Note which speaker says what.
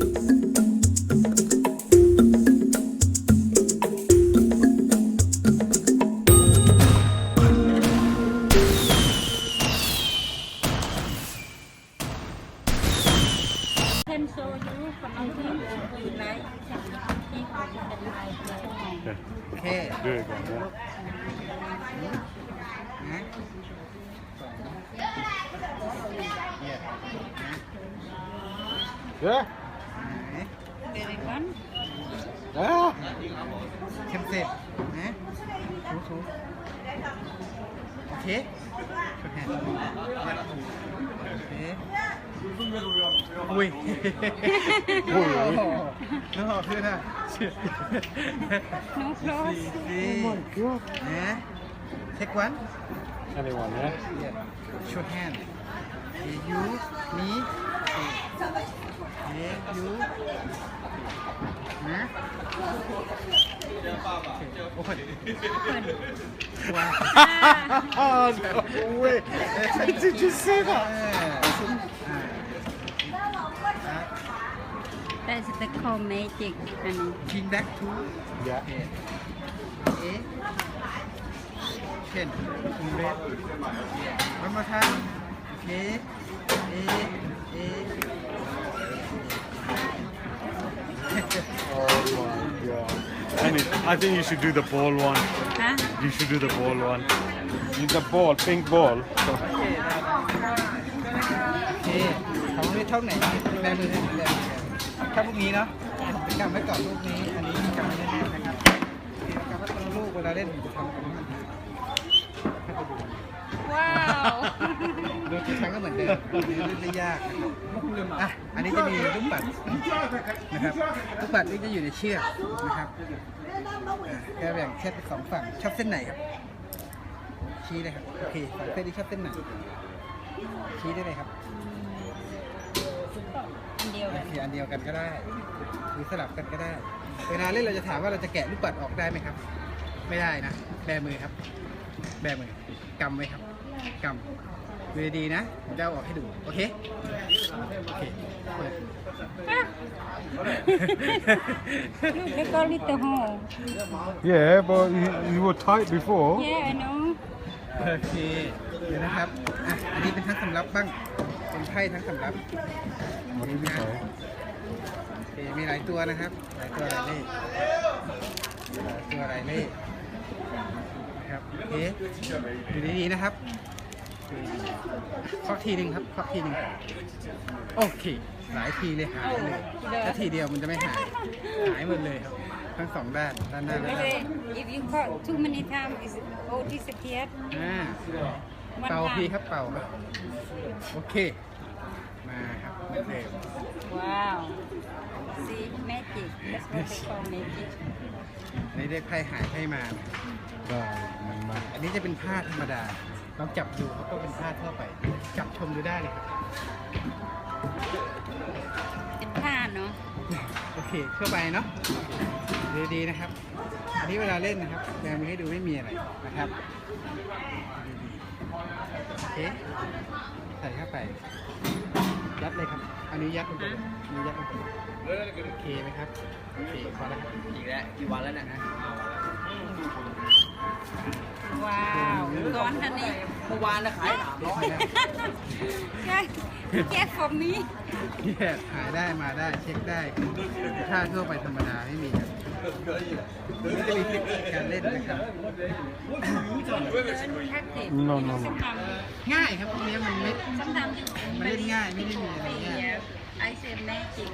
Speaker 1: Can show you from something you like. He can like.
Speaker 2: โอเค
Speaker 3: Do it again, yeah.
Speaker 2: นะเนี่ยนะ
Speaker 3: Yeah?
Speaker 2: ไหน
Speaker 1: Very good.
Speaker 3: Ah!
Speaker 2: เข้มเสร็จนะถูโอเคช่วยแทนโอเคอุ้ย
Speaker 3: โอ้ย
Speaker 2: น้องหอขึ้นอ่ะ
Speaker 1: No close.
Speaker 2: ดีนะเช็ควัน
Speaker 3: Anyone, yeah?
Speaker 2: show hand you me you นะโอเค ว้าว
Speaker 3: Oh, no way! Did you see that?
Speaker 1: That's the called magic. Honey.
Speaker 2: King back to
Speaker 3: Yeah.
Speaker 2: A Chen red one more time okay A
Speaker 3: Oh my god. I think you should do the ball one.
Speaker 1: Huh?
Speaker 3: You should do the ball one. Use the ball, pink ball.
Speaker 2: โอเคของนี้เท่าไหนแบมือให้แบมือถ้าพวกนี้เนาะกำไว้ก่อนลูกนี้อันนี้กำไว้แน่นๆนะครับกำไว้ตรงลูกเวลาเล่นทำของมันให้ไปดู
Speaker 1: Wow.
Speaker 2: ดูทุกครั้งก็เหมือนเดิมไม่ยากอ่ะอันนี้จะมีลูกปัดนะครับลูกปัดนี่จะอยู่ในเชือกนะครับแค่แบ่งแค่เป็นสองฝั่งชอบเส้นไหนครับชี้เลยครับโอเคฝั่งเส้นนี้ชอบเส้นไหนชี้ได้เลยครับ
Speaker 1: อันเดียว
Speaker 2: โอ
Speaker 1: กัน
Speaker 2: เคอันเดียวกันก็ได้หรือสลับกันก็ได้ เวลาเล่นเราจะถามว่าเราจะแกะลูกปัดออกได้ไหมครับ ไม่ได้นะแบมือครับแบมือกำไว้ครับกำมือดีนะผมจะเอาออกให้ดูโอเคโอเคเปิด
Speaker 1: Look, they call it the hole.
Speaker 3: Yeah, but you were tight before.
Speaker 1: Yeah, I know.
Speaker 2: โอเคเดี๋ยวนะครับอ่ะอันนี้เป็นทั้งสำรับบ้างเป็นไพ่ทั้งสำรับ
Speaker 3: What did you say?
Speaker 2: โอเคมีหลายตัวนะครับหลายตัวหลายเลขหลายตัวหลายเลขนะครับโอเคดูดีๆนะครับเคาะทีหนึ่งครับเคาะทีหนึ่งโอเคหลายทีเลยหายเลยถ้าทีเดียวมันจะไม่หายหายหมดเลยครับทั้งสองด้านด้านหน้าและด้านหลัง
Speaker 1: Okay, if you caught too many times, it's all disappeared.
Speaker 2: เป่าทีครับเป่าครับโอเคมาครับโอเค
Speaker 1: Wow. See, magic. That's what they call magic.
Speaker 2: ในเรียกไพ่หายไพ่มาอันนี้จะเป็นผ้าธรรมดาลองจับดูเขาก็เป็นผ้าทั่วไปจับชมดูได้เลยครับ
Speaker 1: เป็นผ้าเนาะ
Speaker 2: โอเคทั่วไปเนาะดีๆนะครับ อันนี้เวลาเล่นนะครับแบมือให้ดูไม่มีอะไรนะครับดีๆโอเคใส่เข้าไปยัดเลยครับอันนี้ยัดลงไปเลยอันนี้ยัดลงไปโอเคไหมครับโอเคพอแล้วครับ
Speaker 4: อีกแล้วกี่วันแล้วเนะ
Speaker 1: ว้าวร้อนทันนี้
Speaker 4: เมื่อวานนะขาย300
Speaker 1: ใช่แก้ผมนี้
Speaker 2: แยกหายได้มาได้เช็คได้ถ้าทั่วไปธรรมดาไม่มีครับนี่จะมีเทคนิคการเล่นนะครับ
Speaker 3: No, no, no.
Speaker 2: ง่ายครับพวกนี้มันไม่
Speaker 1: sometimes
Speaker 2: มันเล่นง่ายไม่ได้มีอะไร
Speaker 1: the
Speaker 2: ยาก
Speaker 1: I say magic